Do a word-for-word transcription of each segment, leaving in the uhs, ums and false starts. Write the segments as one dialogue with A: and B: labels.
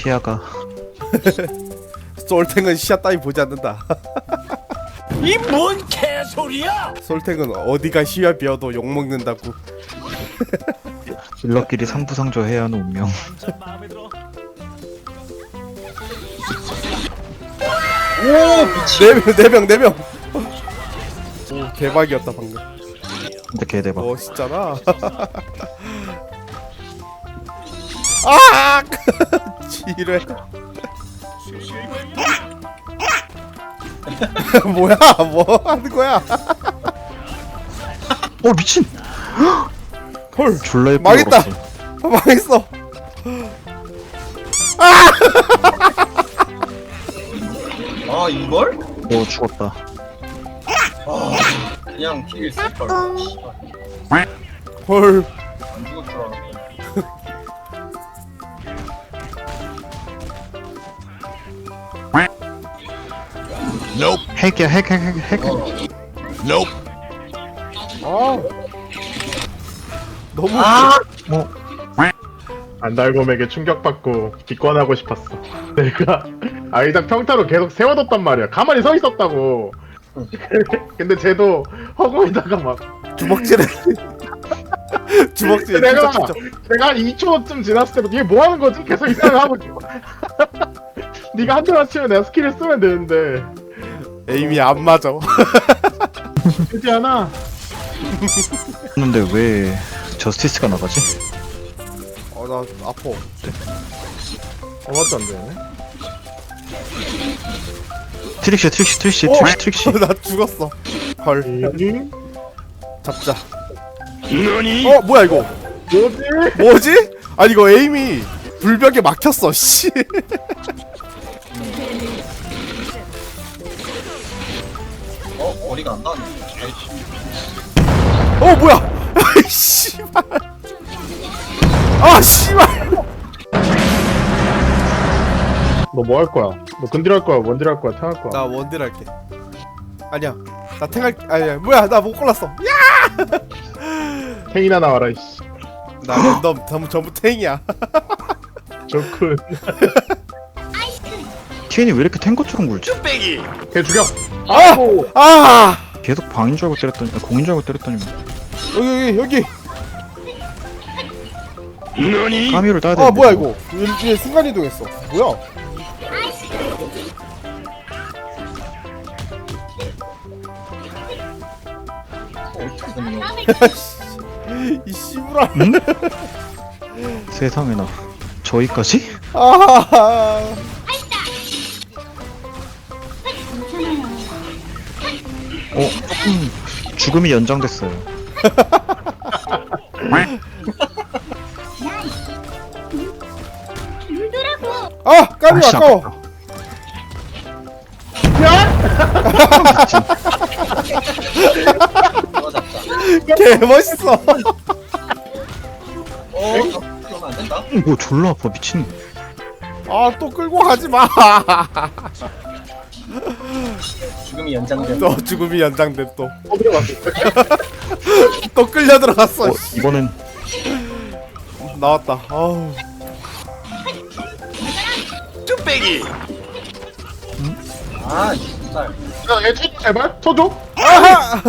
A: 티아가
B: 솔탱은 시야 따위 보지 않는다.
C: 이 뭔 개소리야?
B: 솔탱은 어디가 시야 비어도 욕먹는다고.
A: 딜러끼리 상부상조 해야 하는 운명.
C: 완전 마음에 들어.
B: 오 미친. 네명 네 명. 오 대박이었다 방금.
A: 진짜 개대박.
B: 멋있잖아. 아 지뢰. 뭐야 뭐 하는 거야?
A: 어 미친.
B: 헐
A: 졸라 예쁘게
B: 망했다.
A: 걸었어.
B: 아, 망했어.
D: 아 이걸?
A: 오 죽었다.
D: 아 그냥 킬 쓸걸.
B: 헐.
D: 안 죽을 줄 알았네.
A: 핵이야 핵 핵 핵 핵.
B: 아 너무.
D: 아
A: 어
E: 안달곰에게 충격받고 기권하고 싶었어. 내가 아이작 평타로 계속 세워뒀단 말이야. 가만히 서 있었다고. 근데 쟤도 허공에다가 막
B: 주먹질해. 주먹질.
E: 내가
B: 진짜, 진짜.
E: 내가 한 이 초쯤 지났을 때부터 얘 뭐 하는 거지? 계속 이 생각을 하고 있어. 네가 한 대만 치면 내가 스킬을 쓰면 되는데
B: 에임이 안 맞아.
E: 그렇지 않아?
A: 근데 왜 저스티스가 나가지?
B: 어 나 아파.
E: 아무것도 안 되네.
A: 트릭시 트릭시 트릭시
B: 어?
A: 트릭시 트릭시.
B: 나 죽었어. 헐.
E: 음?
B: 잡자.
C: 너니?
B: 어 뭐야 이거?
E: 뭐지?
B: 뭐지? 아니 이거 에임이 불벽에 막혔어. 씨.
D: 어 머리가 안 나네.
B: 어 뭐야? 아이 씨발. 아 씨발.
E: 너 뭐 할 거야? 너 근딜 할 거야? 원딜 할 거야? 탱할 거야?
B: 나 원딜 할게. 아니야. 나 탱할. 아니야. 뭐야? 나 못 골랐어. 야!
E: 탱이나 나와라 이씨.
B: 나 랜덤 전부 전부 탱이야.
E: 좋군.
A: 티엔이 왜 이렇게 탱커처럼 굴지?
C: 빼기.
E: 걔 죽여.
B: 아!
E: 아이고.
B: 아!
A: 계속 방인 줄 알고 때렸더니 아, 공인 줄 알고 때렸더니
B: 여기 여기 여기.
C: 너니?
A: 까미를 따야 돼.
B: 아 뭐야 이거? 얘, 얘 순간 이동했어. 뭐야?
D: 어떻게 됐냐?
B: 이 씨부라.
A: 세상에나 저희까지?
B: 아!
A: 어 조금 죽음이 연장됐어요.
B: 아! 까비
A: 아씨,
B: 아까워.
D: 이거 잡자.
B: 개 멋있어.
D: 어 그러면 안 된다.
A: 뭐 졸라 아파 미친.
B: 아 또 끌고 가지 마.
D: 죽음이 연장된.
B: 너 죽음이 연장돼 또.
E: 어 들어갔어.
B: 또 끌려 들어갔어.
A: 어 이번엔
B: 나왔다. 아우.
C: 빼기.
D: 아 진짜.
E: 야얘 쳐 제발 쳐줘.
B: 아하!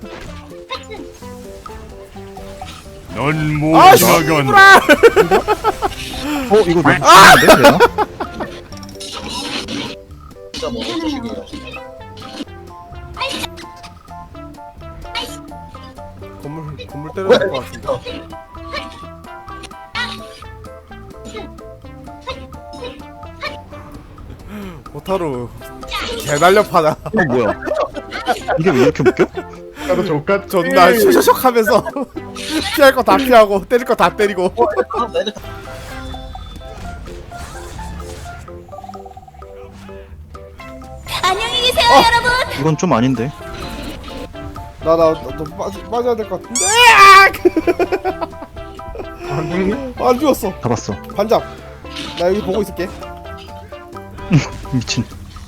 C: 넌못
B: 아
C: 나간.
B: 씨부라.
A: 어 이거 너무 심한데 내가?
D: 진짜 뭐 어쩌시게요.
B: 건물 건물 때려야 될 것 같은데. 오타루 개 날렵하다.
A: 어 뭐야? 이게 왜 이렇게 웃겨?
E: 나도 족같.
B: 존나 쇼쇼쇼 하면서 피할 거 다 피하고 때릴 거 다 때리고.
D: 아 나 이거
F: 안녕히 계세요,
B: 어.
F: 여러분.
B: 이건
A: 좀 아닌데.
B: 나나너 빠져 빠져야 될 것 같은데.
E: 안 죽네?
B: 안 죽었어.
A: 잡았어.
B: 반잡. 나 여기 보고 있을게.
A: 미친.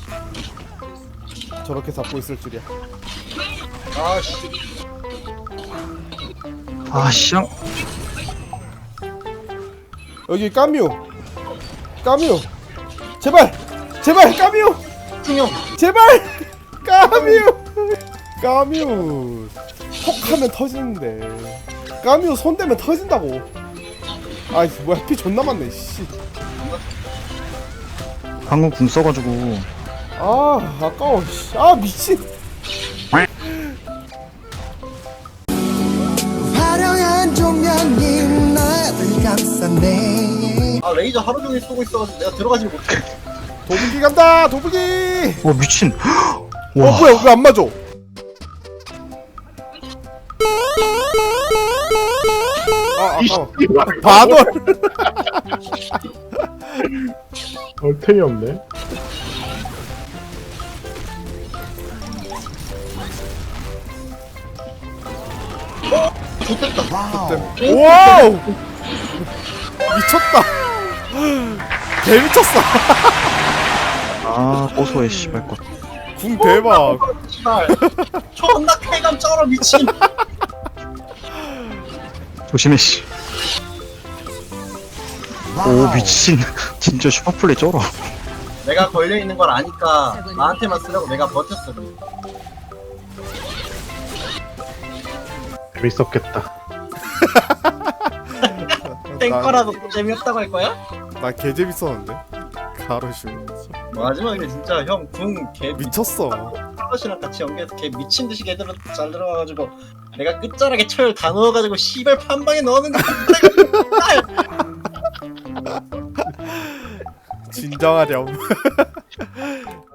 B: 저렇게 잡고 있을 줄이야.
D: 아씨.
A: 아 씨앙.
B: 여기 까뮤. 까뮤. 제발 제발 까뮤
D: 중형.
B: 제발 까뮤 까뮤 톡하면 터지는데 까뮤 손대면 터진다고. 아이 뭐야 피 존나 많네 씨.
A: 방금 궁 써가지고.
B: 아 아까워 씨. 아 미친.
F: 화려한 조명이 나를 감싸네.
D: 아 레이저 하루 종일 쏘고 있어가지고 내가 들어가지 못해.
B: 도부기 간다 도부기.
A: 와 미친.
B: 어
A: 와.
B: 뭐야 왜 안 맞아? 아 아까워. 바돌.
E: 얼탱이 없네.
B: 와우 미쳤다. 개 미쳤어.
A: 아 고소해 씨발 것.
B: 궁 대박.
D: 씨발. 존나 쾌감 쩔어 미친.
A: 조심해 씨. 오 미친. 진짜 슈퍼플레이 쩔어.
D: 내가 걸려 있는 걸 아니까 나한테만 쓰려고 내가 버텼어.
E: 재밌었겠다.
D: 땡거라도 재미없다고 할 거야?
B: 나개 재밌었는데. 가로슈
D: 마지막에 진짜 형궁개
B: 미쳤어.
D: 플러시랑 같이 연계해서 걔 미친 듯이 걔들은 잘 들어가가지고 내가 끝자락에 철 다 넣어가지고 씨발 판방에 넣는 거.
B: 진정하렴.